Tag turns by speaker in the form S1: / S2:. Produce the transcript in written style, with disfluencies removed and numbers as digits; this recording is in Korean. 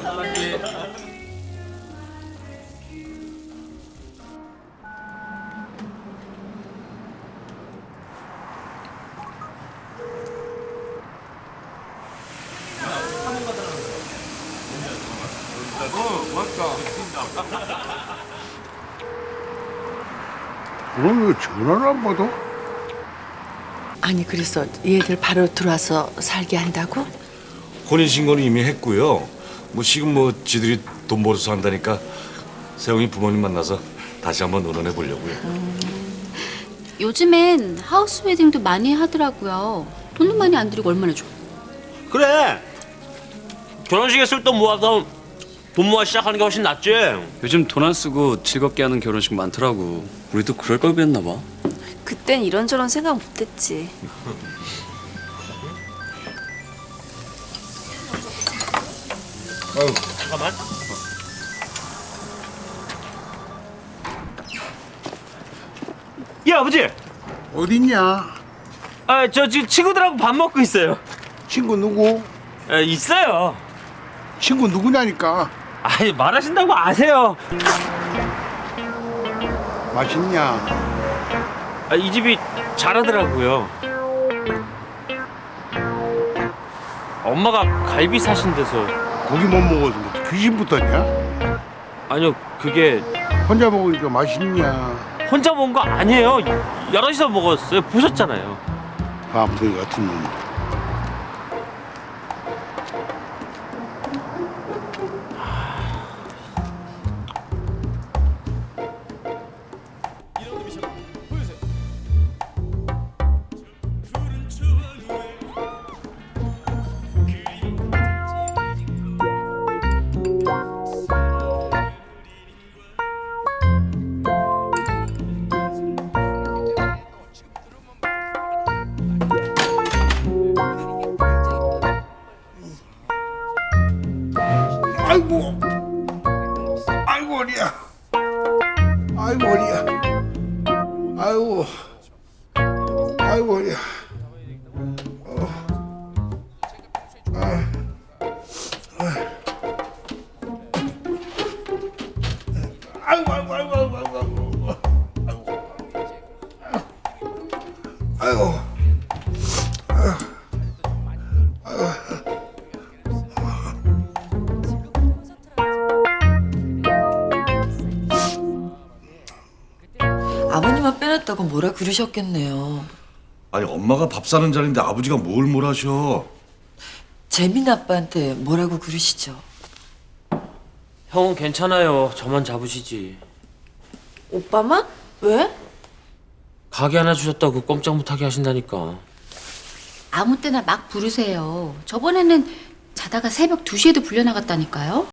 S1: 그럼 왜 전화를 안 받아?
S2: 아니 그래서 얘들 바로 들어와서 살게 한다고?
S3: 혼인신고는 이미 했고요. 뭐 지금 뭐 지들이 돈 벌어서 한다니까 세영이 부모님 만나서 다시 한번 의논해 보려고요.
S4: 요즘엔 하우스 웨딩도 많이 하더라고요. 돈도 많이 안 들이고 얼마나 좋아.
S5: 그래. 결혼식에 쓸 돈 모아서 돈 모아 시작하는 게 훨씬 낫지.
S6: 요즘 돈 안 쓰고 즐겁게 하는 결혼식 많더라고. 우리도 그럴 걸 그랬나 봐.
S7: 그땐 이런저런 생각 못했지.
S5: 잠깐만. 예, 아버지.
S1: 어딨냐?
S5: 저 지금 친구들하고 밥 먹고 있어요.
S1: 친구 누구?
S5: 있어요.
S1: 친구 누구냐니까.
S5: 아니, 말하신다고 아세요.
S1: 맛있냐?
S5: 이 집이 잘하더라고요. 엄마가 갈비 사신 데서.
S1: 고기 못 먹어서 뭐 귀신 붙었냐?
S5: 아니요, 그게
S1: 혼자 먹으니까 맛있냐?
S5: 혼자 먹은 거 아니에요. 여럿이서 먹었어요. 보셨잖아요.
S1: 밤새 같은 놈. 아이고, 아이고 어리야, 아이고 어리야, 아이고, 아이고 어리야. 아이고, 아이고, 아이고, 아이고, 아이고, 아이고.
S2: 아버님만 빼놨다고 뭐라 그러셨겠네요.
S3: 아니 엄마가 밥 사는 자리인데 아버지가 뭘 하셔?
S2: 재민 아빠한테 뭐라고 그러시죠?
S5: 형은 괜찮아요. 저만 잡으시지.
S7: 오빠만? 왜?
S5: 가게 하나 주셨다고 꼼짝 못하게 하신다니까.
S4: 아무 때나 막 부르세요. 저번에는 자다가 새벽 2시에도 불려 나갔다니까요.